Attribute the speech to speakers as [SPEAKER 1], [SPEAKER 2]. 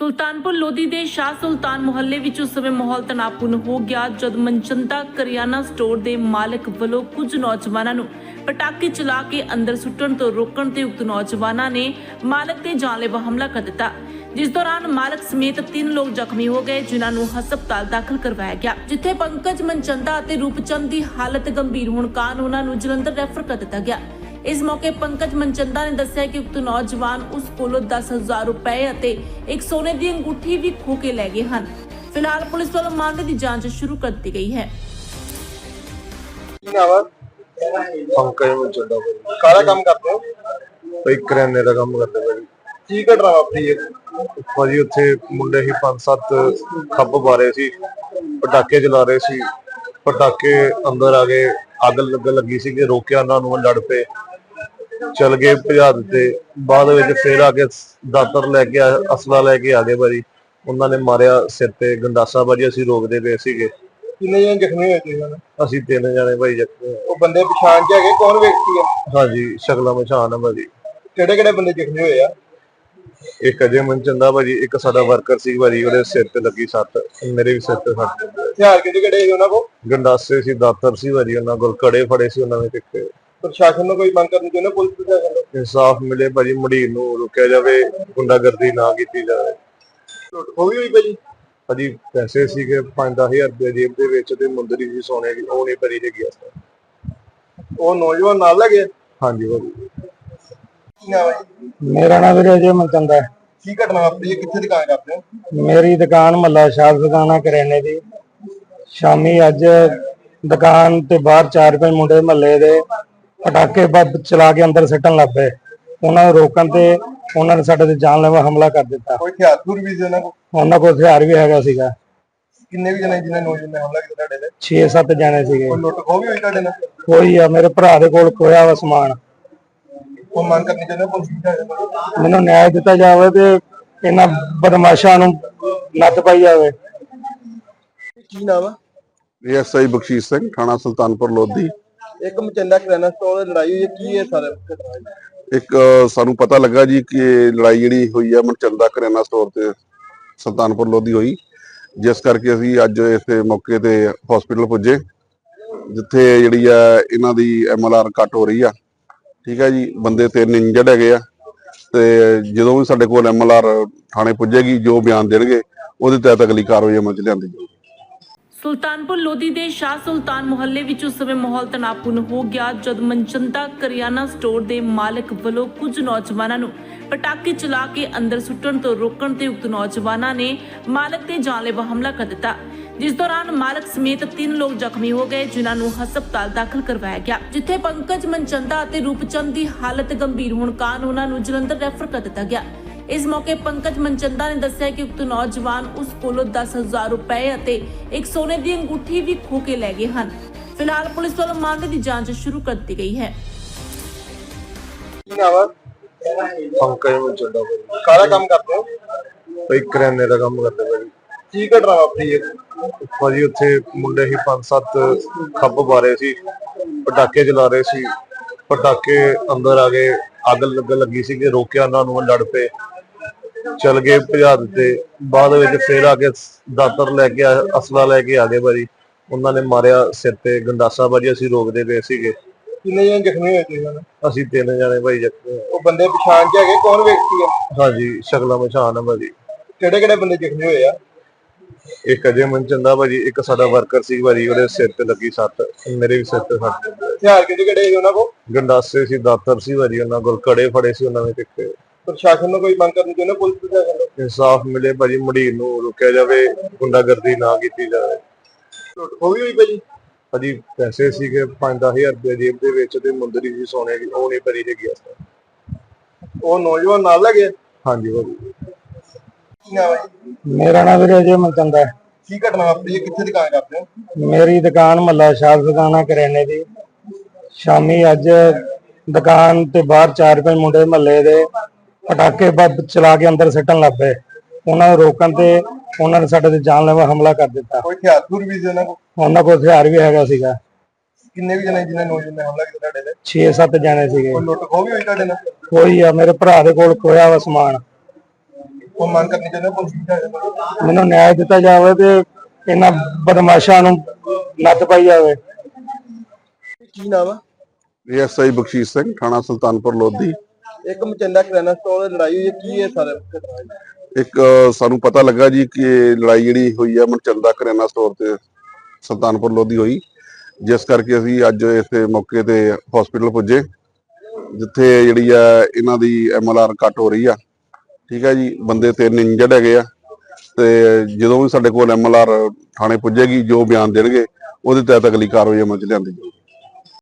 [SPEAKER 1] ਸੁਲਤਾਨਪੁਰ ਲੋਧੀ ਦੇ ਸ਼ਾਹ ਸੁਲਤਾਨ ਮੁਹੱਲੇ ਵਿੱਚ ਉਸ ਸਮੇਂ ਮਾਹੌਲ ਤਣਾਅਪੂਰਨ ਹੋ ਗਿਆ ਜਦ ਮਨਚੰਦਾ ਕਰਿਆਨਾ ਸਟੋਰ ਦੇ ਮਾਲਕ ਵੱਲੋਂ ਕੁਝ ਨੌਜਵਾਨਾਂ ਨੂੰ ਪਟਾਕੇ ਚਲਾ ਕੇ ਅੰਦਰ ਸੁੱਟਣ ਤੋਂ ਰੋਕਣ ਤੇ ਉਕਤ ਨੌਜਵਾਨਾਂ ਨੇ ਮਾਲਕ ਤੇ ਜਾਨਲੇਵਾ ਹਮਲਾ ਕਰ ਦਿੱਤਾ, ਜਿਸ ਦੌਰਾਨ ਮਾਲਕ ਸਮੇਤ 3 ਲੋਕ ਜ਼ਖਮੀ ਹੋ ਗਏ, ਜਿਨ੍ਹਾਂ ਨੂੰ ਹਸਪਤਾਲ ਦਾਖਲ ਕਰਵਾਇਆ ਗਿਆ, ਜਿੱਥੇ ਪੰਕਜ ਮਨਚੰਦਾ ਅਤੇ ਰੂਪਚੰਦ ਦੀ ਹਾਲਤ ਗੰਭੀਰ ਹੋਣ ਕਾਰਨ ਉਹਨਾਂ ਨੂੰ ਜਲੰਧਰ ਰੈਫਰ ਕਰ ਦਿੱਤਾ ਗਿਆ। इस मौके पंकज मनचंदा ने दस्सिया कि उक्त नौजवान उस कोलों 10,000 रुपए ਅਤੇ एक सोने की अंगूठी भी खो के ले गए हैं। फिलहाल पुलिस वालों मामले की जांच शुरू कर दी गई है।
[SPEAKER 2] पंकज मनचंदा
[SPEAKER 3] काला काम करते हो
[SPEAKER 2] भाई करियाने का काम करते भाई
[SPEAKER 3] की घटना वापरी है
[SPEAKER 2] भाजी उत्थे मुंडे ही 5-7 खप मारे सी पटाके चला रहे सी पटाके अंदर आ गए अग लगी सी कि रोकिया उन्होंने लड़ पे चल गए भजा दिते बाद फिर आके दातर लैके असला लैके आ गए भाजी उन्होंने मारिया सिर ते गंडासा भाजी असीं रोकदे पे सीगे
[SPEAKER 3] किन्ने जने जख्मी होए थे
[SPEAKER 2] असीं 3 जने भाई जख्मी
[SPEAKER 3] वो बंदे पछाण च हैगे कौन व्यक्ति है
[SPEAKER 2] हाँ जी शकला मशान है भाजी
[SPEAKER 3] केड़े बंदे जख्मी होए आ
[SPEAKER 2] एक अजय मनचंदा भाजी एक साडा वर्कर सी भाजी ओदे सिर ते लगी सट मेरे भी सिर ते सट
[SPEAKER 3] हथियार किहड़े उन्हां को
[SPEAKER 2] गंडासे सी दातर सी भाजी उन्हां कोल कड़े फड़े सी उन्हां ने टिक्के
[SPEAKER 3] प्रशासन ने कोई मंग करनी चाहिए पुलिस प्रशासन को
[SPEAKER 2] इंसाफ मिले भाजी मुड़ीर नूं रोकिया जावे गुंडागर्दी ना कीती जावे
[SPEAKER 3] हो भी हुई भाजी
[SPEAKER 2] भाजी पैसे सीगे 5-10 हज़ार रुपये जेब दे विच ते मुंदरी सी सोने दी ओह नहीं भरी हैगी अस
[SPEAKER 3] वो नौजवान नाल लगे
[SPEAKER 2] हाँ जी भाजी
[SPEAKER 4] मेरा नाम वीर अजय मनचंदा है।
[SPEAKER 3] की घटना वापरी है कित्थे दुकान करते हो
[SPEAKER 4] मेरी दुकान महला शाह सुल्ताना करियाने दी शामी अज दुकान ते बाहर 4-5 मुंडे महल्ले दे पटाके चला के अंदर सिटन लग पे उन्हां नूं रोकण ते उन्हां ने साडे ते जानलेवा हमला कर दिता।
[SPEAKER 3] कोई हथियार भी सी
[SPEAKER 4] उन्हां कोल हथियार भी हैगा सीगा।
[SPEAKER 3] किन्ने भी जने जिन्हें नौजवान ने हमला किया तुहाडे ते
[SPEAKER 4] 6-7 जने सीगे।
[SPEAKER 3] कोई लुੱਟ खो भी हुई तुहाडे नाल
[SPEAKER 4] कोई आ मेरे भरा दे कोल खोया वा समान
[SPEAKER 3] वो मंग करनी चाहिए पुलिस प्रशासन
[SPEAKER 4] मैनूं न्याय दिता जावे ते इन्हां बदमाशां नूं नੱਥ पाई जावे।
[SPEAKER 3] की नाम है
[SPEAKER 5] एएसआई बख्शीश सिंह थाना सुल्तानपुर लोधी
[SPEAKER 3] एक मचंदा करियाना स्टोर लड़ाई हुई है की है सारे
[SPEAKER 5] एक सानू पता लगा जी कि लड़ाई जिहड़ी हुई है मनचंदा करियाना स्टोर ते सुल्तानपुर लोधी हुई जिस करके असीं अज इत्थे मौके ते हॉस्पिटल पुजे जिथे जिहड़ी है इन्हां दी MLR कट हो रही है ठीक है जी बंदे 3 इंजर्ड हैगे आ ते जदों भी साडे कोल MLR थाणे पुजेगी जो बयान देणगे ਉਹਦੇ ਤਹਿਤ ਅਗਲੀ ਕਾਰਵਾਈ ਅਮਲ 'ਚ ਲਿਆਂਦੀ ਜਾਊਗੀ।
[SPEAKER 1] ਸੁਲਤਾਨਪੁਰ ਲੋਧੀ ਦੇ ਸ਼ਾਹ ਸੁਲਤਾਨ ਮੁਹੱਲੇ ਵਿੱਚ ਉਸ ਸਮੇਂ ਮਾਹੌਲ ਤਣਾਅਪੂਰਨ ਹੋ ਗਿਆ ਜਦ ਮਨਚੰਦਾ ਕਰਿਆਨਾ ਸਟੋਰ ਦੇ ਮਾਲਕ ਵੱਲੋਂ ਕੁਝ ਨੌਜਵਾਨਾਂ ਨੂੰ ਪਟਾਕੇ ਚਲਾ ਕੇ ਅੰਦਰ ਸੁੱਟਣ ਤੋਂ ਰੋਕਣ ਤੇ ਉਕਤ ਨੌਜਵਾਨਾਂ ਨੇ ਮਾਲਕ ਤੇ ਜਾਨਲੇਵਾ ਹਮਲਾ ਕਰ ਦਿੱਤਾ, ਜਿਸ ਦੌਰਾਨ ਮਾਲਕ ਸਮੇਤ 3 ਲੋਕ ਜ਼ਖਮੀ ਹੋ ਗਏ, ਜਿਨ੍ਹਾਂ ਨੂੰ ਹਸਪਤਾਲ ਦਾਖਲ ਕਰਵਾਇਆ ਗਿਆ, ਜਿੱਥੇ ਪੰਕਜ ਮਨਚੰਦਾ ਅਤੇ ਰੂਪਚੰਦ ਦੀ ਹਾਲਤ ਗੰਭੀਰ ਹੋਣ ਕਾਰਨ ਉਹਨਾਂ ਨੂੰ ਜਲੰਧਰ ਰੈਫਰ ਕਰ ਦਿੱਤਾ ਗਿਆ। इस मौके पंकज मनचंदा ने दस्सिया कि उक्त नौजवान उस कोलों 10,000 रुपए ਅਤੇ एक सोने की अंगूठी भी खो के ले गए हैं। फिलहाल पुलिस वालों मामले की जांच शुरू कर दी गई है।
[SPEAKER 3] की नाम है
[SPEAKER 2] पंकज मनचंदा
[SPEAKER 3] काला काम करते हो
[SPEAKER 2] भाई करियाने का काम करते भाजी
[SPEAKER 3] की घटना वापरी है
[SPEAKER 2] भाजी उत्थे मुंडे ही 5-7 खप मारे सी पटाके चला रहे सी पटाके अंदर आ गए अग लगी सी कि रोकिया उन्होंने लड़ पे चल गए भजा दिते बाद फिर आके दातर लैके असला लैके आ गए भाजी उन्होंने मारिया सिर ते गंडासा भाजी असीं रोकदे पे सीगे
[SPEAKER 3] किन्ने जने जख्मी होए थे
[SPEAKER 2] असीं 3 जने भाई जख्मी
[SPEAKER 3] वो बंदे पछाण च हैगे कौन व्यक्ति है
[SPEAKER 2] हाँ जी शकला मशान है भाजी
[SPEAKER 3] केड़े बंदे जख्मी होए आ
[SPEAKER 2] एक अजय मनचंदा भाजी एक साडा वर्कर सी भाजी ओदे सिर ते लगी सट मेरे भी सिर ते सट
[SPEAKER 3] हथियार किहड़े उन्हां को
[SPEAKER 2] गंडासे सी दातर सी भाजी उन्हां कोल कड़े फड़े सी उन्हां ने टिक्के
[SPEAKER 3] प्रशासन ने कोई मंग करनी चाहिए पुलिस प्रशासन को
[SPEAKER 2] इंसाफ मिले भाजी मुड़ीर नूं रोकिया जावे गुंडागर्दी ना कीती जावे
[SPEAKER 3] लुੱਟ खो भी हुई भाजी
[SPEAKER 2] भाजी पैसे सीगे 5-10 हज़ार रुपये जेब दे विच ते मुंदरी सी सोने दी ओह नहीं भरी हैगी अस
[SPEAKER 3] वो नौजवान नाल लगे
[SPEAKER 2] हाँ जी भाजी
[SPEAKER 3] की नाम है
[SPEAKER 4] मेरा नाम वीर अजय मनचंदा है।
[SPEAKER 3] की घटना वापरी है कित्थे दुकान करते हो
[SPEAKER 4] मेरी दुकान महला शाह सुल्ताना करियाने दी शामी अज दुकान ते बाहर 4-5 मुंडे महल्ले दे पटाके चला के अंदर सिटन लग पे उन्हां नूं रोकण ते उन्हां ने साडे ते जानलेवा हमला कर दिता।
[SPEAKER 3] कोई हथियार भी सी
[SPEAKER 4] उन्हां कोल हथियार भी हैगा सीगा।
[SPEAKER 3] किन्ने भी जने जिन्हें नौजवान ने हमला किया तुहाडे ते
[SPEAKER 4] 6-7 जने सीगे।
[SPEAKER 3] कोई लुੱਟ खो भी हुई तुहाडे नाल
[SPEAKER 4] कोई आ मेरे भरा दे कोल खोया वा समान
[SPEAKER 3] ਉਹ ਮੰਗ ਕਰਨੀ ਚਾਹੁੰਦੇ ਹੋ ਪੁਲਿਸ ਦੀ?
[SPEAKER 4] ਮੈਨੂੰ ਨਿਆਂ ਦਿੱਤਾ ਜਾਵੇ ਤੇ ਇਹਨਾਂ ਬਦਮਾਸ਼ਾਂ ਨੂੰ ਨੱਥ ਪਾਈ ਜਾਵੇ।
[SPEAKER 3] ਕੀ ਨਾਮ ਆ?
[SPEAKER 5] ਐਸਆਈ ਬਖਸ਼ੀਸ਼ ਸਿੰਘ, ਥਾਣਾ ਸੁਲਤਾਨਪੁਰ ਲੋਧੀ।
[SPEAKER 3] ਇੱਕ ਮਚੰਦਾ ਕਰਿਆਨਾ ਸਟੋਰ ਦੀ ਲੜਾਈ ਹੋਈ ਹੈ, ਕੀ ਹੈ ਸਾਰਾ?
[SPEAKER 5] ਇੱਕ ਸਾਨੂੰ ਪਤਾ ਲੱਗਾ ਜੀ ਕਿ ਲੜਾਈ ਜਿਹੜੀ ਹੋਈ ਹੈ ਮਨਚੰਦਾ ਕਰਿਆਨਾ ਸਟੋਰ ਤੇ ਸੁਲਤਾਨਪੁਰ ਲੋਧੀ ਹੋਈ, ਜਿਸ ਕਰਕੇ ਅਸੀਂ ਅੱਜ ਇੱਥੇ ਮੌਕੇ ਤੇ ਹਸਪੀਟਲ ਪੁੱਜੇ, ਜਿੱਥੇ ਜਿਹੜੀ ਆ ਇਹਨਾਂ ਦੀ MLR ਕੱਟ ਹੋ ਰਹੀ ਆ। ਠੀਕ ਹੈ ਜੀ, ਬੰਦੇ 3 ਇੰਜਰਡ ਹੈਗੇ ਆ ਤੇ ਜਦੋਂ ਵੀ ਸਾਡੇ ਕੋਲ MLR ਥਾਣੇ ਪੁੱਜੇਗੀ, ਜੋ ਬਿਆਨ ਦੇਣਗੇ ਉਹਦੇ ਤਹਿਤ ਅਗਲੀ ਕਾਰਵਾਈ ਅਮਲ ਚ ਲਿਆਂਦੀ ਜਾਊਗੀ।